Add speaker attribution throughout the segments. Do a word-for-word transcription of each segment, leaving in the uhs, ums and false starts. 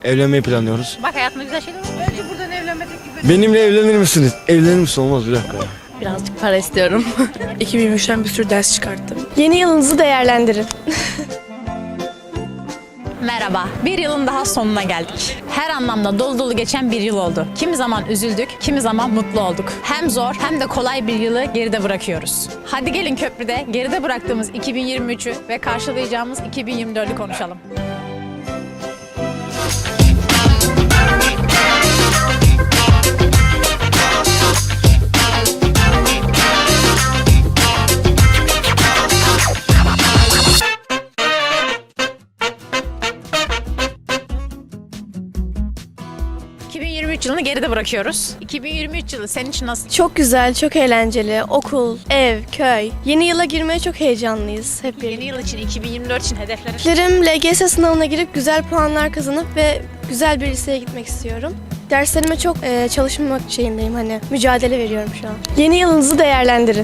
Speaker 1: Evlenmeyi planlıyoruz.
Speaker 2: Bak hayatımda güzel şeyler var.
Speaker 3: Bence buradan evlenme teklifi.
Speaker 1: Benimle evlenir misiniz? Evlenir misin? Olmaz, bir dakika.
Speaker 4: Birazcık para istiyorum. iki bin yirmi üçten bir sürü ders çıkarttım.
Speaker 5: Yeni yılınızı değerlendirin.
Speaker 2: Merhaba. Bir yılın daha sonuna geldik. Her anlamda dolu dolu geçen bir yıl oldu. Kimi zaman üzüldük, kimi zaman mutlu olduk. Hem zor hem de kolay bir yılı geride bırakıyoruz. Hadi gelin köprüde geride bıraktığımız iki bin yirmi üçü ve karşılayacağımız iki bin yirmi dördü konuşalım. iki bin yirmi üç yılını geride bırakıyoruz. iki bin yirmi üç yılı senin için nasıl?
Speaker 5: Çok güzel, çok eğlenceli. Okul, ev, köy. Yeni yıla girmeye çok heyecanlıyız hep birlikte.
Speaker 2: Yeni yıl için, iki bin yirmi dört için hedeflerin?
Speaker 5: Hedeflerim L G S sınavına girip güzel puanlar kazanıp ve güzel bir liseye gitmek istiyorum. Derslerime çok e, çalışmak şeyindeyim, hani mücadele veriyorum şu an. Yeni yılınızı değerlendirin.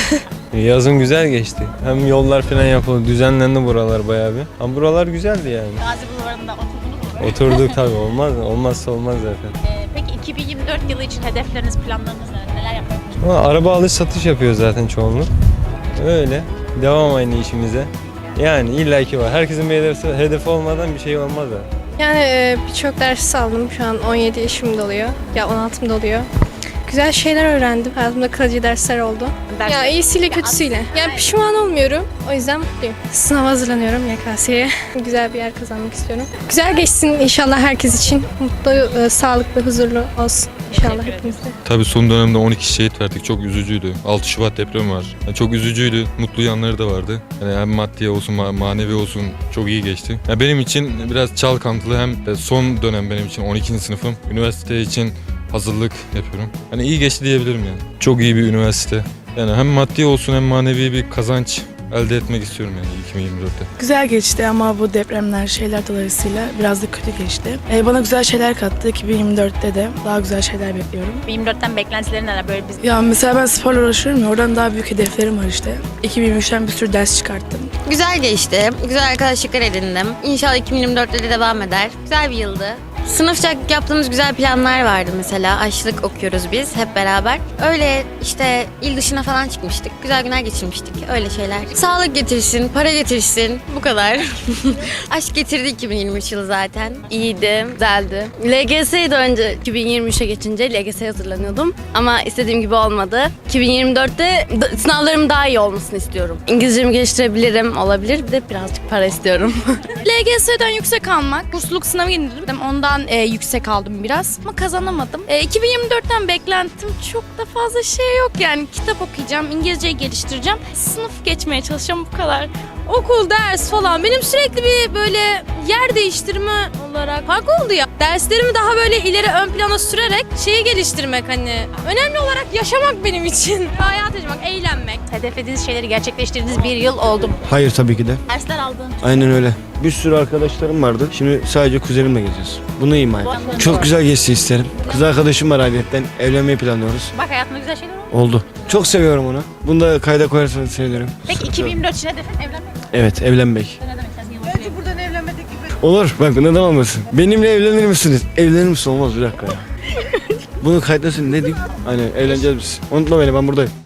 Speaker 6: Yazın güzel geçti. Hem yollar falan yapıldı, düzenlendi buralar bayağı bir. Ama buralar güzeldi yani.
Speaker 2: Gazi Bulvarı'nda oturdunuz mu?
Speaker 6: Oturduk tabii, olmaz mı? Olmazsa olmaz zaten.
Speaker 2: Ee, peki iki bin yirmi dört yılı için hedefleriniz, planlarınız neler? Neler yapmak için?
Speaker 6: Ama araba alış satış yapıyor zaten çoğunluk. Öyle. Devam aynı işimize. Yani illaki var. Herkesin bir hedefi, hedefi olmadan bir şey olmaz da.
Speaker 7: Yani e, birçok ders aldım. Şu an on yedi yaşımda oluyor. Ya on altımda oluyor. Güzel şeyler öğrendim. Hayatımda kalıcı dersler oldu.
Speaker 2: Ders-
Speaker 7: Ya iyisiyle kötüsüyle. Yani pişman olmuyorum. O yüzden mutluyum. Sınava hazırlanıyorum Y K S'ye. Güzel bir yer kazanmak istiyorum. Güzel geçsin inşallah herkes için. Mutlu, e, sağlıklı, huzurlu olsun inşallah hepimizde.
Speaker 8: Tabii son dönemde on iki şehit verdik. Çok üzücüydü. altı Şubat depremi var. Yani çok üzücüydü. Mutlu yanları da vardı. Yani hem maddi olsun, ma- manevi olsun çok iyi geçti. Yani benim için biraz çalkantılı, hem de son dönem benim için on ikinci sınıfım. Üniversite için hazırlık yapıyorum. Hani iyi geçti diyebilirim yani. Çok iyi bir üniversite. Yani hem maddi olsun hem manevi bir kazanç elde etmek istiyorum yani iki bin yirmi dörtte.
Speaker 4: Güzel geçti ama bu depremler şeyler dolayısıyla biraz da kötü geçti. Ee, bana güzel şeyler kattı. iki bin yirmi dörtte de daha güzel şeyler bekliyorum.
Speaker 2: iki bin yirmi dörtten beklentilerin neler? Böyle biz
Speaker 4: Ya mesela ben sporla uğraşıyorum ya, oradan daha büyük hedeflerim var işte. iki bin yirmi üçten bir sürü ders çıkarttım.
Speaker 9: Güzel geçti. Güzel arkadaşlıklar edindim. İnşallah iki bin yirmi dörtte de devam eder. Güzel bir yıldı. Sınıfça yaptığımız güzel planlar vardı mesela. Aşçılık okuyoruz biz hep beraber. Öyle işte il dışına falan çıkmıştık. Güzel günler geçirmiştik. Öyle şeyler. Sağlık getirsin, para getirsin. Bu kadar. Aşk getirdi iki bin yirmi üç yılı zaten.
Speaker 10: İyiydi, güzeldi. L G S'ydi önce iki bin yirmi üçe geçince L G S'ye hazırlanıyordum. Ama istediğim gibi olmadı. iki bin yirmi dörtte d- sınavlarım daha iyi olmasını istiyorum. İngilizcemi geliştirebilirim, olabilir. Bir de birazcık para istiyorum.
Speaker 11: L G S'den yüksek almak, bursluluk sınavı indirdim. Ondan e, yüksek aldım biraz ama kazanamadım. E, iki bin yirmi dörtten beklentim çok da fazla şey yok yani. Kitap okuyacağım, İngilizceyi geliştireceğim. Sınıf geçmeye çalışacağım, bu kadar. Okul, ders falan. Benim sürekli bir böyle yer değiştirme olarak fark oldu ya. Derslerimi daha böyle ileri ön plana sürerek şeyi geliştirmek hani. Önemli olarak yaşamak benim için. Hayat yaşamak, eğlenmek.
Speaker 2: hedeflediğiniz şeyleri gerçekleştirdiğiniz bir yıl oldu mu?
Speaker 1: Hayır, tabii ki de.
Speaker 2: Dersler aldın.
Speaker 1: Aynen öyle. Bir sürü arkadaşlarım vardı. Şimdi sadece kuzenimle geziyoruz. Bunu ima et. Çok güzel geçsin isterim. Kız arkadaşım var ayrıyetten. Evlenmeyi planlıyoruz.
Speaker 2: Bak hayatımda güzel şeyler oldu.
Speaker 1: Oldu. Çok seviyorum onu. Bunu da kayda koyarsanız sevinirim.
Speaker 2: Peki iki bin yirmi dört için hedefin evlenmek mi?
Speaker 1: Evet, evlenmek.
Speaker 2: Ne demek istersin? Yılın
Speaker 3: Bence buradan evlenme teklifi.
Speaker 1: Olur. Bak, neden olmasın? Benimle evlenir misiniz? Evlenir misin? Olmaz, bir dakika ya. Bunu kaydetsin, ne diyeyim? Aynen, evleneceğiz biz. Unutma beni, ben buradayım.